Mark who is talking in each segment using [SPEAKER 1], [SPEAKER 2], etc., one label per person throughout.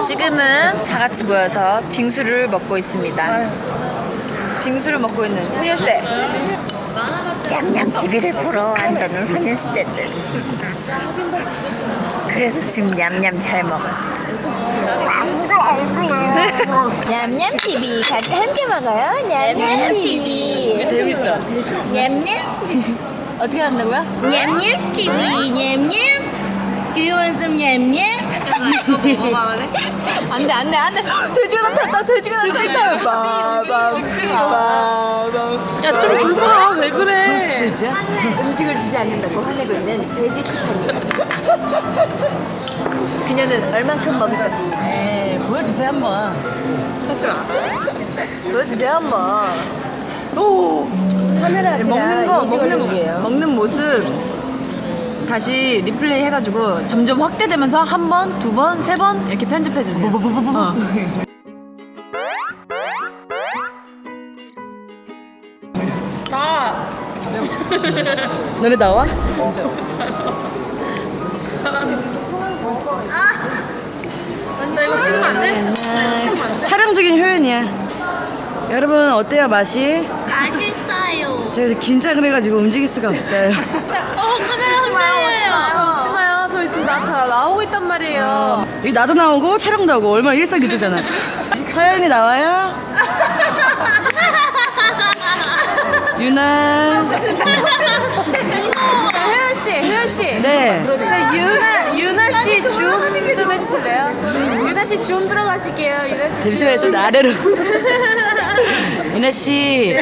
[SPEAKER 1] 지금은 다 같이 모여서 빙수를 먹고 있습니다. 빙수를 먹고 있는 소녀시대. 냠냠 TV를 보러 왔다는 소녀시대들. 그래서 지금 냠냠 잘 먹어. 냠냠 TV 함께 먹어요. 냠냠 TV.
[SPEAKER 2] 재밌어.
[SPEAKER 3] 냠냠
[SPEAKER 1] 어떻게 한다고요?
[SPEAKER 3] 냠냠 TV 냠냠 귀여운 좀 냠냠
[SPEAKER 1] 안돼 안돼 안돼. 돼지가 나타났다. 돼지가 나타났다. 빠밤.
[SPEAKER 2] 야, 좀 줘봐. 왜 그래?
[SPEAKER 1] 음식을 주지 않는다고 화내고 있는 돼지 티파니. 그녀는 얼만큼 먹을 것인가?
[SPEAKER 2] 에이, 보여주세요, 한번.
[SPEAKER 1] 하지 마. 보여주세요 한번.
[SPEAKER 2] 오!
[SPEAKER 1] 카메라
[SPEAKER 2] 먹는 거,
[SPEAKER 1] 먹는 모습 다시 리플레이 해가지고 점점 확대되면서 한 번, 두 번, 세 번 이렇게 편집해 주세요.
[SPEAKER 2] 너네 나와?
[SPEAKER 3] 나 이거 찍으면 안 돼?
[SPEAKER 2] 촬영 중인 효연이야. 여러분, 어때요, 맛이?
[SPEAKER 3] 맛있어요.
[SPEAKER 2] 제가 긴장을 해가지고 움직일 수가 없어요.
[SPEAKER 3] 카메라 흔들려요.
[SPEAKER 1] 웃지 마요. 저희 지금 다 나오고 있단 말이에요.
[SPEAKER 2] 여기 나도 나오고 촬영도 하고 얼마나 일석이조잖아. 서연이 나와요? 유나.
[SPEAKER 1] 혜연 씨.
[SPEAKER 2] 네.
[SPEAKER 1] 자, 유나 씨 줌 좀 해주실래요? 유나 씨 줌 들어가실게요. 유나 씨.
[SPEAKER 2] 잠시만요, 좀 아래로. 유나 씨.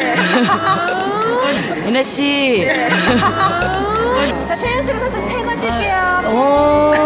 [SPEAKER 2] 유나 씨.
[SPEAKER 1] 자, 태연 씨로 살짝 태가실게요.
[SPEAKER 2] 오.